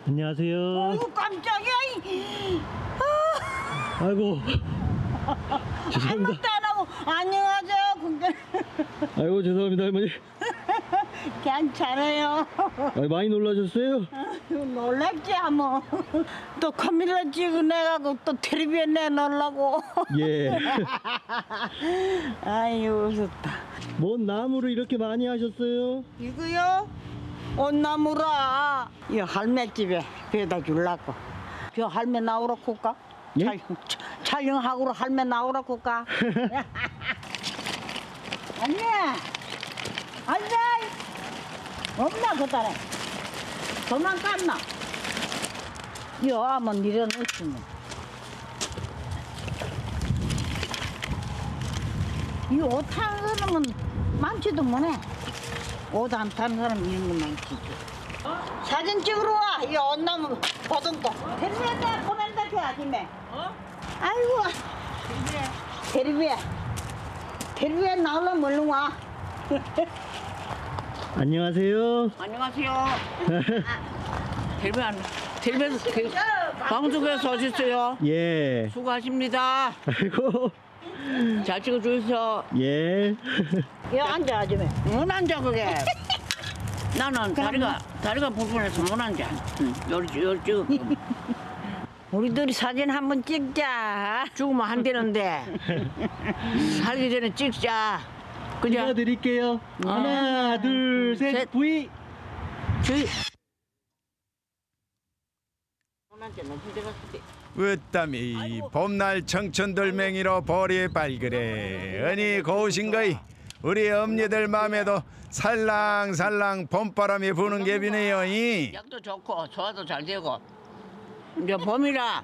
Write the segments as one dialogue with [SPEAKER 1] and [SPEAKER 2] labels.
[SPEAKER 1] 안녕하세요.
[SPEAKER 2] 어이구 깜짝이야.
[SPEAKER 1] 아이고. 죄송합니다.
[SPEAKER 2] 잘못도 안 하고 안녕하세요. 근데
[SPEAKER 1] 아이고 죄송합니다 할머니.
[SPEAKER 2] 괜찮아요.
[SPEAKER 1] 많이 놀라셨어요?
[SPEAKER 2] 놀랐지 뭐. 또 카메라 찍어내가고 또 텔레비에 내놓으려고.
[SPEAKER 1] 예.
[SPEAKER 2] 아유 웃었다.
[SPEAKER 1] 뭔 나무를 이렇게 많이 하셨어요?
[SPEAKER 2] 이거요? 온나무라. 이 할매 집에 배다 주려고. 저 할매 나오라고 할까?
[SPEAKER 1] 예?
[SPEAKER 2] 촬영하고 할매 나오라고 할까? 안녕. 앉아. 없나 그다래. 도망갔나? 여 한번 밀어넣으시면. 이 옷 타는 사람은 많지도 못해. 옷 안 타는 사람 이런 거 많지. 사진 찍으러 와. 이 온나무 보던거. 텔레비에 보낸다 그 아줌마. 아이고. 텔레비에 나오려면 얼른 와.
[SPEAKER 1] 안녕하세요.
[SPEAKER 3] 안녕하세요. 텔레비에서 방송에서 오셨어요.
[SPEAKER 1] 예.
[SPEAKER 3] 수고하십니다.
[SPEAKER 1] 아이고.
[SPEAKER 3] 잘 찍어주셔서.
[SPEAKER 1] 예.
[SPEAKER 2] 여 앉아 아줌마.
[SPEAKER 3] 못 앉아 그게. 나는 다리가 불편해서 못 앉아. 요리 찍어.
[SPEAKER 2] 우리들이 사진 한번 찍자.
[SPEAKER 3] 죽으면 안 되는데 살기 전에 찍자. 그죠?
[SPEAKER 1] 찍어드릴게요. 하나, 둘, 셋,
[SPEAKER 3] 셋.
[SPEAKER 1] 부이.
[SPEAKER 3] 저희
[SPEAKER 4] 으땀이 봄날 청춘돌멩이로 볼이 발그레 언니 고우신거이 우리 엄니들 맘에도 살랑살랑 봄바람이 부는 갭이네요. 이.
[SPEAKER 3] 약도 좋고 소화도 잘 되고 이제 봄이라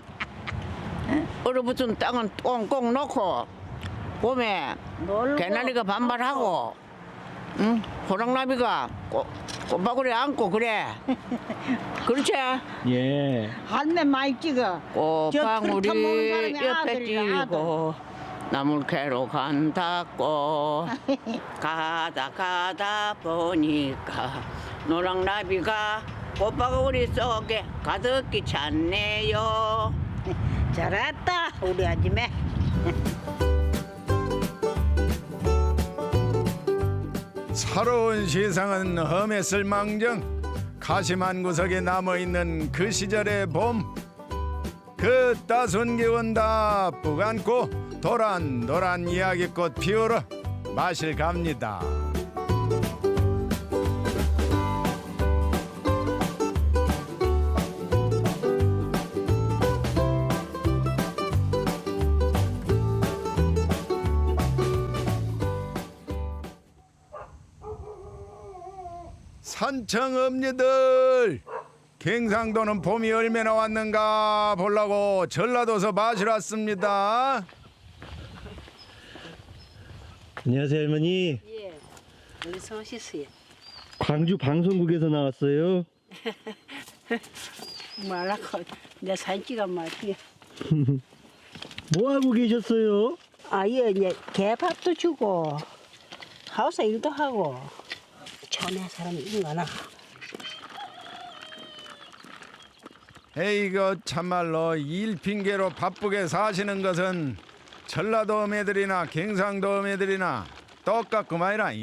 [SPEAKER 3] 얼어붙은 땅은 꽁꽁 놓고 봄에 개나리가 반발하고 응? 호랑나비가 꽃바구니에 앉고 그래. 그렇지?
[SPEAKER 1] 예.
[SPEAKER 2] 할매 많이 찍어.
[SPEAKER 3] 꽃방울이
[SPEAKER 2] 저 먹는 사람이
[SPEAKER 3] 옆에
[SPEAKER 2] 아들이라,
[SPEAKER 3] 찌고 나물 캐러 간다고 가다 보니까 노랑나비가 꽃바구니 속에 가득히 찼네요.
[SPEAKER 2] 잘했다 우리 아줌마.
[SPEAKER 4] 새로운 세상은 험했을 망정 가시만 구석에 남아있는 그 시절의 봄 그 따스운 기운 다 뿌안고 도란도란 이야기꽃 피우러 마실 갑니다. 산청 엄니들 경상도는 봄이 얼마나 왔는가 보려고 전라도서 마시러 왔습니다.
[SPEAKER 1] 안녕하세요 할머니.
[SPEAKER 5] 예, 어디서 오셨어요?
[SPEAKER 1] 광주 방송국에서 나왔어요.
[SPEAKER 5] 말라고 내 사진 찍어 말이야.
[SPEAKER 1] 뭐 하고 계셨어요?
[SPEAKER 5] 아, 예, 이제 개밥도 주고 하우스 일도 하고 전에 사람이 있거나.
[SPEAKER 4] 에이거 참말로 일 핑계로 바쁘게 사시는 것은 전라도 매들이나 경상도 매들이나 똑같구만이라.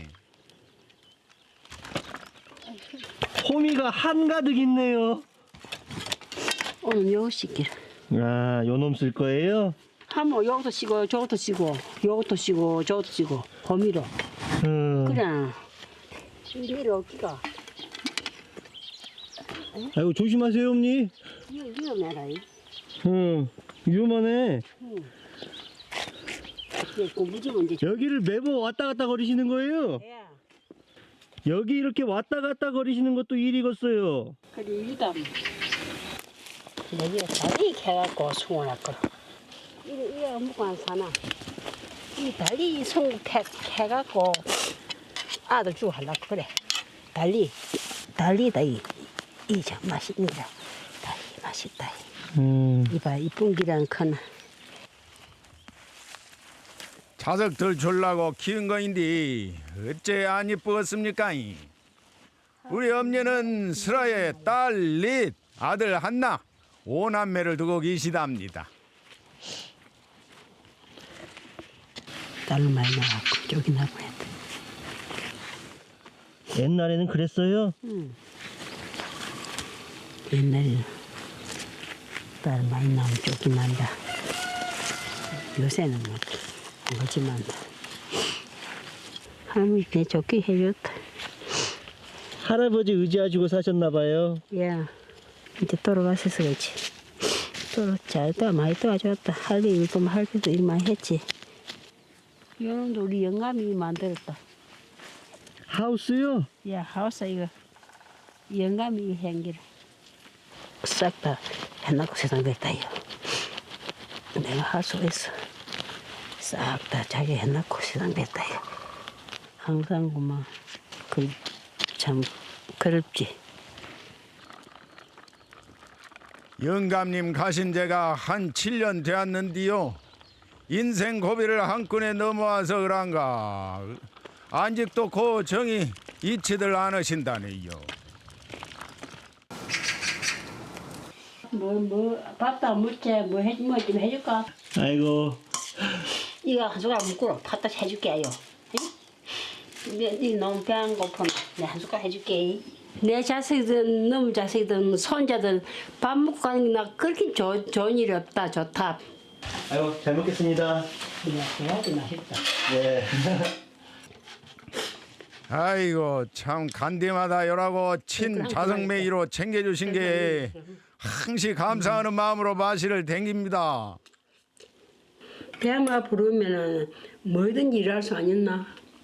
[SPEAKER 1] 호미가 한가득 있네요.
[SPEAKER 5] 오늘 요거 씻기를.
[SPEAKER 1] 아, 요놈 쓸 거예요?
[SPEAKER 5] 하면 요것도 씻고 저것도 씻고 요것도 씻고 저것도 씻고 호미로. 그래. 이리로 올기가.
[SPEAKER 1] 아이고 조심하세요 엄니.
[SPEAKER 5] 이거 위험해라.
[SPEAKER 1] 위험하네.
[SPEAKER 5] 그 무지면 이제.
[SPEAKER 1] 여기를 매번 왔다 갔다 거리시는 거예요?
[SPEAKER 5] 예.
[SPEAKER 1] 여기 이렇게 왔다 갔다 거리시는 것도 일이겠어요.
[SPEAKER 5] 그래 일다. 내가 다리 캐갖고 송원할 거. 이거 아무거 안 사나. 이 다리 송 캐갖고 아들 주고 하려고 그래. 달리다 이 참 맛있니다. 달리 맛있다. 이봐 이쁜 기랑 커나.
[SPEAKER 4] 자석들 줄라고 키운 거인데 어째 안 이쁘겠습니까? 우리 엄녀는 슬아에 딸 넷, 아들 한나, 5남매를 두고 계시답니다.
[SPEAKER 5] 딸로 많이 나갖고 쫓겨나고 했다.
[SPEAKER 1] 옛날에는 그랬어요?
[SPEAKER 5] 옛날에는 딸 많이 나오면 쫓겨난다. 요새는 뭐 그렇지만 할머니 그냥 좋게 해줬다.
[SPEAKER 1] 할아버지 의지하시고 사셨나 봐요.
[SPEAKER 5] 야, 이제 돌아가셔서 그렇지. 잘도 많이 도와줬다. 할 일 일도 할 때도 일 많이 했지. 이놈도 우리 영감이 만들었다.
[SPEAKER 1] 하우스요?
[SPEAKER 5] 야, 하우스 이거 영감이 행기를 싹 다 해놓고 세상 됐다 이거. 내가 할 수 있어. 싹 다 자기 해놓고 세상 됐다 이거. 항상 그만 참 그립지.
[SPEAKER 4] 영감님 가신 지가 한 7년 되었는데요. 인생 고비를 한꺼번에 넘어와서 그런가 아직도 그 정이 잊지들 않으신다네요.
[SPEAKER 5] 밥도 안 먹지 뭐 좀 해줄까?
[SPEAKER 1] 아이고,
[SPEAKER 5] 이거 한 숟가락 먹고 갖다 해줄게 요. 이 너무 배 안 고프면 내가 한 숟가락 해줄게. 내 자식들, 너무 자식들, 손자들 밥 먹고 가는 게 나 그렇게 좋은 일이 없다. 좋다.
[SPEAKER 1] 아이고, 잘 먹겠습니다.
[SPEAKER 5] 해야지 맛있다.
[SPEAKER 1] 네.
[SPEAKER 4] 아이고 참 간디마다 요라고 친 자성매기로 챙겨주신 게 항시 감사하는 마음으로 마시를 댕깁니다.
[SPEAKER 5] 배만 부르면은 뭐든지 일할 수 아니었나?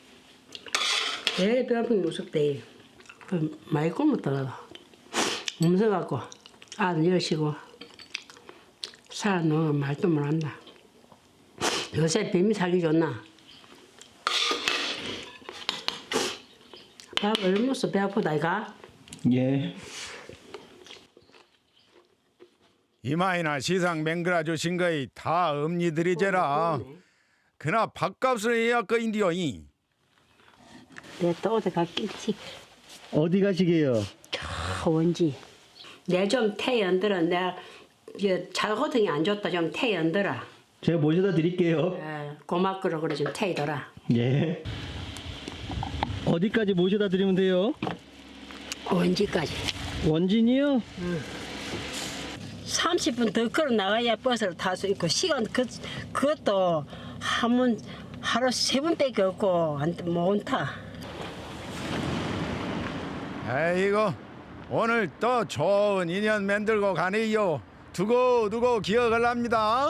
[SPEAKER 5] 배 아프면 무섭대. 많이 굶었더라도 무서워갖고 아들 여시고 살아놓으면 말도 못한다. 요새 뱀이 살기 좋나? 밥 얼마 먹어 배 아프다 이가?
[SPEAKER 1] 예.
[SPEAKER 4] 이마이나 시상 맹글어 주신 거이 다 엄니들이제라. 그나 밥값을 해야 거인디요이.
[SPEAKER 5] 내또 어디 갔겠지?
[SPEAKER 1] 어디 가시게요?
[SPEAKER 5] 원지. 내 좀 태연들어. 내가 자고등이 안 좋다 좀 태연들어.
[SPEAKER 1] 제가 모셔다 드릴게요.
[SPEAKER 5] 고맙고로 그래 좀 태이더라.
[SPEAKER 1] 예. 어디까지 모셔다 드리면 돼요?
[SPEAKER 5] 원지까지.
[SPEAKER 1] 원진이요?
[SPEAKER 5] 30분 더 걸어 나가야 버스를 탈 수 있고 시간 그것도 하루 3번밖에 없고 못 타.
[SPEAKER 4] 아이고 오늘 또 좋은 인연 만들고 가네요. 두고 기억을 합니다.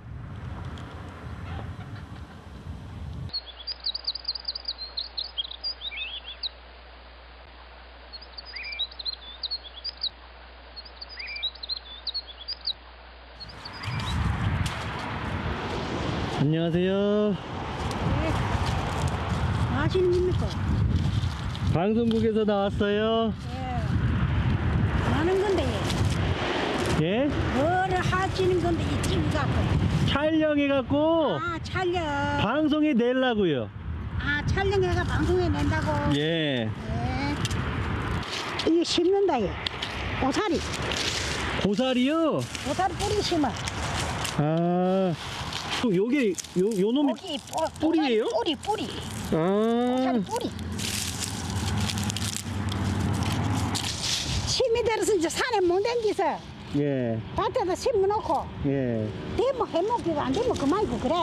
[SPEAKER 1] 안녕하세요.
[SPEAKER 2] 하시는 겁니까?
[SPEAKER 1] 방송국에서 나왔어요.
[SPEAKER 2] 하는 건데
[SPEAKER 1] 예?
[SPEAKER 2] 뭐를 하시는 건데 이 TV 갖고
[SPEAKER 1] 촬영해갖고
[SPEAKER 2] 촬영
[SPEAKER 1] 방송에 내려고요.
[SPEAKER 2] 촬영해가 방송에 낸다고
[SPEAKER 1] 예.
[SPEAKER 2] 이거 심는다 얘 고사리
[SPEAKER 1] 고사리요?
[SPEAKER 2] 고사리 뿌리 심어
[SPEAKER 1] 또 요게 요 놈이
[SPEAKER 2] 고기
[SPEAKER 1] 뿌리예요?
[SPEAKER 2] 뿌리 고사리 뿌리 심이 들어서 이제 산에 못 댕기서
[SPEAKER 1] 예.
[SPEAKER 2] 밭에다 심어놓고
[SPEAKER 1] 예.
[SPEAKER 2] 되면 해먹기가 안 되면 그만이고 그래.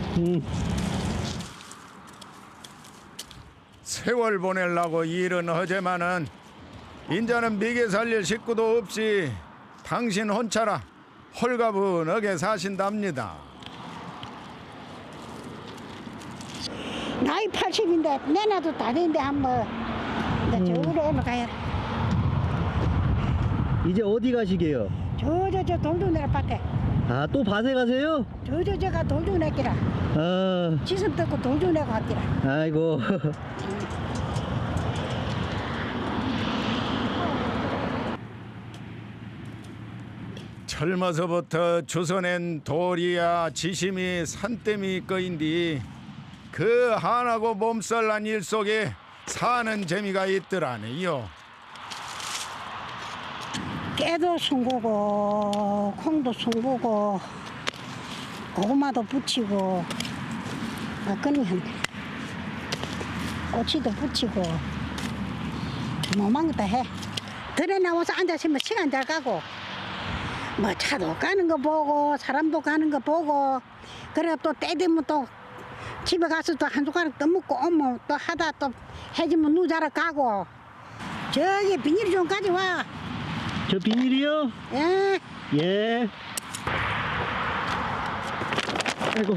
[SPEAKER 4] 세월 보내려고 일은 하지만은 인자는 미개 살릴 식구도 없이 당신 혼자라 홀가분하게 사신답니다.
[SPEAKER 2] 나이 80인데 내놔도 다 되는데 한번 이제 저기로 올라가야
[SPEAKER 1] 이제 어디 가시게요?
[SPEAKER 2] 저 돌도내라 밭에
[SPEAKER 1] 또 밭에 가세요?
[SPEAKER 2] 저가 돌도내기라 지슴 뜯고 돌도내고 왔기라.
[SPEAKER 1] 아이고.
[SPEAKER 4] 젊어서부터 주워낸 돌이야 지심이 산더미 거인디 그 한하고 몸살난 일 속에 사는 재미가 있더라네요.
[SPEAKER 5] 깨도 숭고고 콩도 숭고고 고구마도 부치고 그러면 꼬치도 부치고 뭐만 것도 해. 들에 나와서 앉아있으면 시간 잘 가고 뭐 차도 가는 거 보고 사람도 가는 거 보고 그래 또 때 되면 또 집에 가서 또 한 숟가락 더 먹고 오면 또 하다 또 해지면 누자러 가고 저기 비닐 좀 가져와.
[SPEAKER 1] 저 비닐이요?
[SPEAKER 5] 예.
[SPEAKER 1] 예. 아이고.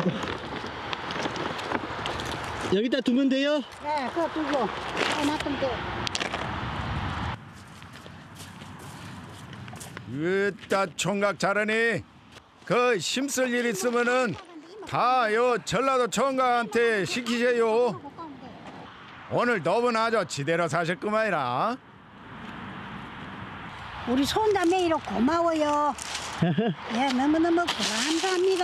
[SPEAKER 1] 여기다 두면 돼요?
[SPEAKER 5] 네, 그거 두고 놔두면 돼.
[SPEAKER 4] 으따 총각 잘하니. 그 힘쓸 일 있으면은 다 요 전라도 총각한테 시키세요. 오늘 너분 아주 지대로 사실구만이라.
[SPEAKER 5] 우리 손자매 이로 고마워요. 예, 너무너무 감사합니다.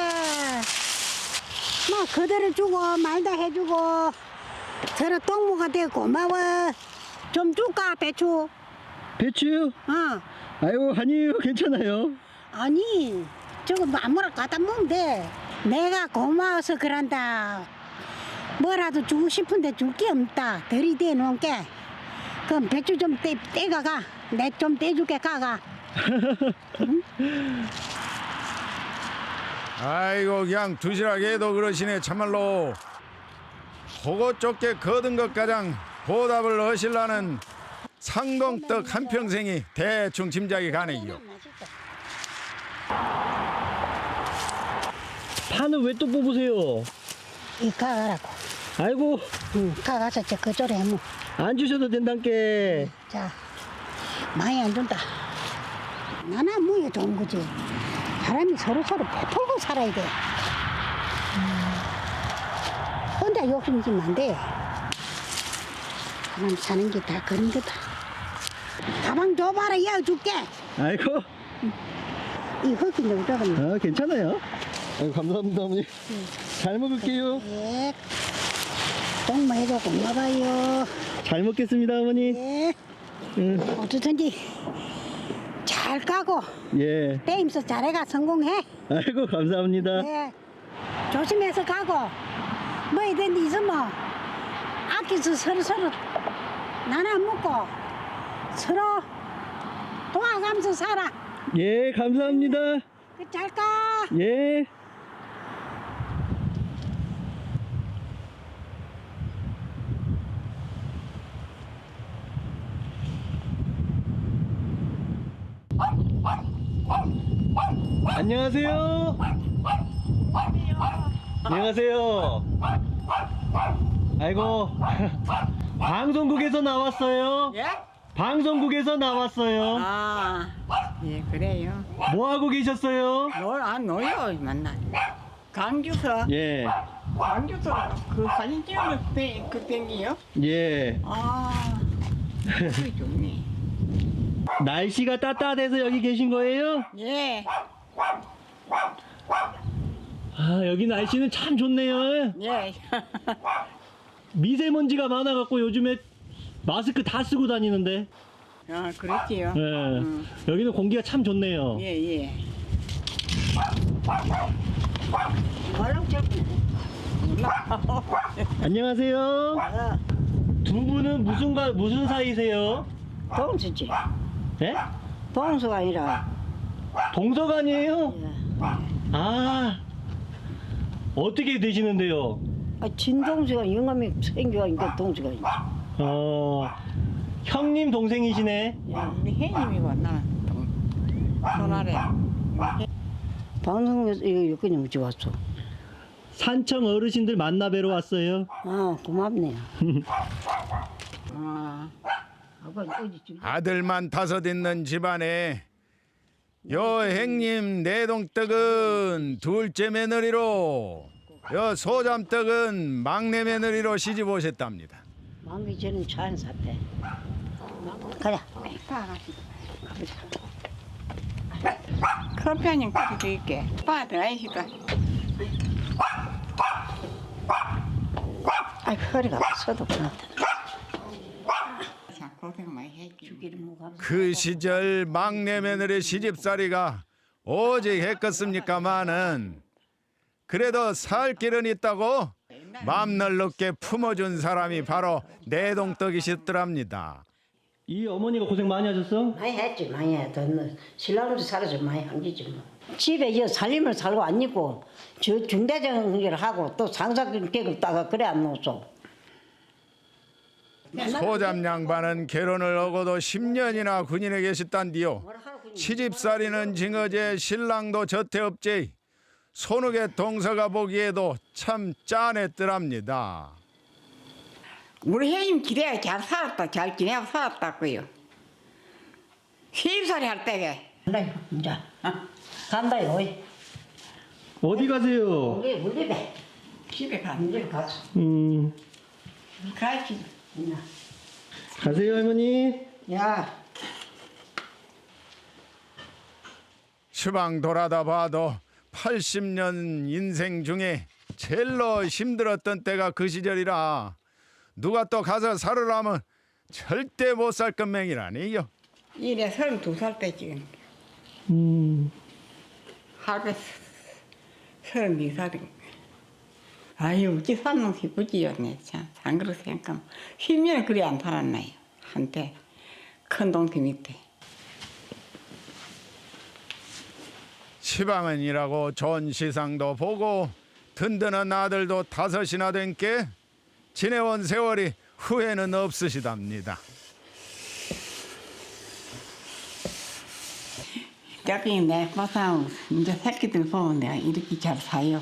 [SPEAKER 5] 뭐 그대를 주고 말다 해주고 저런 동무가 되고 고마워. 좀 줄까 배추?
[SPEAKER 1] 배추요?
[SPEAKER 5] 어.
[SPEAKER 1] 아이고 아니에요 괜찮아요.
[SPEAKER 5] 아니 저거 아무나 갖다 먹으면 돼. 내가 고마워서 그런다. 뭐라도 주고 싶은데 줄 게 없다. 들이대 놓을게. 그럼 배추 좀 떼가가. 내 좀 떼줄게 가가.
[SPEAKER 4] 아이고 그냥 두시락해도 그러시네 참말로. 그거 좁게 거둔 것 가장 보답을 하실라는 상동떡 한평생이 대충 짐작이 가네요.
[SPEAKER 1] 파는 왜 또 뽑으세요?
[SPEAKER 5] 이 가가라고.
[SPEAKER 1] 아이고
[SPEAKER 5] 응, 가가서 저 그쪽에 뭐.
[SPEAKER 1] 안 주셔도 된단께.
[SPEAKER 5] 자, 많이 안 준다. 나나 뭐야 좋은 거지. 사람이 서로 베풀고 살아야 돼. 혼자 욕심지면 안 돼. 사람 사는 게 다 그런 거다. 가방 줘봐라, 이어 줄게.
[SPEAKER 1] 아이고
[SPEAKER 5] 이 흙이 너무 작은.
[SPEAKER 1] 아 괜찮아요. 아이고 감사합니다 어머니. 잘 먹을게요.
[SPEAKER 5] 예. 동무해도 고마워요.
[SPEAKER 1] 잘 먹겠습니다 어머니.
[SPEAKER 5] 예.
[SPEAKER 1] 응.
[SPEAKER 5] 어떻든지 잘 까고
[SPEAKER 1] 예.
[SPEAKER 5] 게임서 잘해가 성공해.
[SPEAKER 1] 아이고 감사합니다.
[SPEAKER 5] 네. 조심해서 가고 뭐이든 있으면 아껴서 서로 나눠 먹고 서로 도와가면서 살아.
[SPEAKER 1] 예 감사합니다.
[SPEAKER 5] 잘 가.
[SPEAKER 1] 예. 안녕하세요. 안녕하세요. 아이고 방송국에서 나왔어요.
[SPEAKER 3] 예?
[SPEAKER 1] 방송국에서 나왔어요.
[SPEAKER 3] 아, 예, 그래요.
[SPEAKER 1] 뭐 하고 계셨어요?
[SPEAKER 3] 놀아요, 만나. 강주서,
[SPEAKER 1] 예.
[SPEAKER 3] 강주서 그 사진 찍으면 그 땡기요?
[SPEAKER 1] 예.
[SPEAKER 3] 아, 그게 좋네.
[SPEAKER 1] 날씨가 따뜻해서 여기 계신 거예요?
[SPEAKER 3] 예,
[SPEAKER 1] 아, 여기 날씨는 참 좋네요.
[SPEAKER 3] 예.
[SPEAKER 1] 미세먼지가 많아갖고 요즘에 마스크 다 쓰고 다니는데.
[SPEAKER 3] 아, 그렇지요.
[SPEAKER 1] 예. 여기는 공기가 참 좋네요.
[SPEAKER 3] 예, 예.
[SPEAKER 5] 얼른 좀.
[SPEAKER 1] 안녕하세요. 두 분은 무슨 사이세요?
[SPEAKER 2] 동수지.
[SPEAKER 1] 예?
[SPEAKER 2] 동수가 아니라.
[SPEAKER 1] 동서간이에요?
[SPEAKER 2] 예.
[SPEAKER 1] 아, 어떻게 되시는데요?
[SPEAKER 2] 아, 진동수가 영감이 생겨가니까 동수가 있지.
[SPEAKER 1] 형님 동생이시네.
[SPEAKER 3] 예, 우리 혜님이고 나는 손아래.
[SPEAKER 2] 방송에서 이거 여기까지 어찌 왔어?
[SPEAKER 1] 산청 어르신들 만나 뵈러 왔어요.
[SPEAKER 2] 아, 고맙네요.
[SPEAKER 3] 아,
[SPEAKER 4] 아들만 5 있는 집안에 여행님 내동떡은 둘째 며느리로 여 소잠떡은 막내 며느리로 시집 오셨답니다.
[SPEAKER 2] 만기 전에 차안 샀대. 가자.
[SPEAKER 3] 가보자. 커피한잔 끓여 드릴게. 빠 들어가시다.
[SPEAKER 2] 아이, 허리가 아파서도 그렇다.
[SPEAKER 3] 자, 고생 많이 했지.
[SPEAKER 2] 죽이를 먹어.
[SPEAKER 4] 그 시절 막내 며느리 시집살이가 오직 했겠습니까마는 그래도 살 길은 있다고 맘날 높게 품어준 사람이 바로 내동떡이셨더랍니다.
[SPEAKER 1] 이 어머니가 고생 많이 하셨어?
[SPEAKER 5] 많이 했지, 많이 했다. 신랑도 살아서 많이 한 거지 뭐. 집에 이 살림을 살고 안 입고 저 중대장을 하고 또 상사계급 따가 그래 안 놓소.
[SPEAKER 4] 소잡 양반은 결혼을 하고도 10년이나 군인에 계셨단디요. 시집살이는 징어제 신랑도 저태업제. 손욱의 동서가 보기에도 참 짠했더랍니다.
[SPEAKER 6] 우리 형님 기대가 잘 살았다, 잘 지내고 살았다고요. 시집살이 할 때게.
[SPEAKER 5] 간다요, 이제. 간다요, 어이.
[SPEAKER 1] 어디 가세요?
[SPEAKER 5] 우리 집에.
[SPEAKER 6] 집에 가.
[SPEAKER 5] 이제 가서.
[SPEAKER 6] 가야지.
[SPEAKER 1] 가세요 할머니.
[SPEAKER 5] 야.
[SPEAKER 4] 시방 돌아다 봐도 80년 인생 중에 제일로 힘들었던 때가 그 시절이라 누가 또 가서 살으라면 절대 못 살 것맹이라니요.
[SPEAKER 6] 이래 32살 때 지금. 할배 32살인 아유, 어찌 사는 기쁘지요, 네, 참. 안 그렇게 생각하면. 10년을 그리 안 살았나요, 한때. 큰 동태 밑에.
[SPEAKER 4] 시방은 일하고 좋은 시상도 보고 든든한 아들도 5이나 된 게 지내온 세월이 후회는 없으시답니다.
[SPEAKER 6] 여기 내 보상 이제 새끼들 보면 내가 이렇게 잘 사요.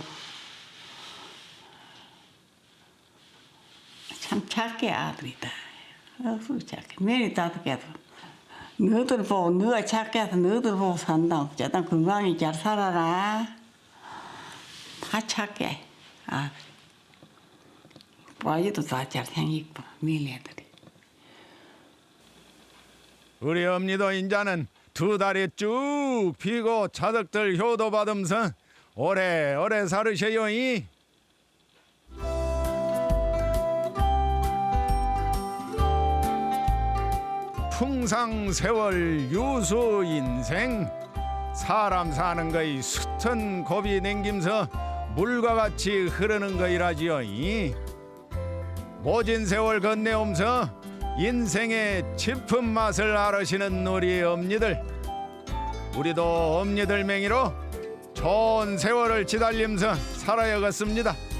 [SPEAKER 6] 참 착해 아들이다. 어서 착해. 매일 5개도. 너희들 보고 너가 착해서 너희들 보고 산다. 어쩌다 건강히 잘 살아라. 다 착해 아들. 아이도 다 잘생기고 매일 애들이.
[SPEAKER 4] 우리 엄니도 인자는 2다리 쭉 피고 자석들 효도 받으면서 오래오래 살으셔요이. 풍상세월 유수 인생 사람 사는 거이 숱한 고비 냉김서 물과 같이 흐르는 거이라지요. 모진 세월 건네오면서 인생의 짚은 맛을 알으시는 우리 엄니들, 우리도 엄니들 맹이로 좋은 세월을 지달리면서 살아야겠습니다.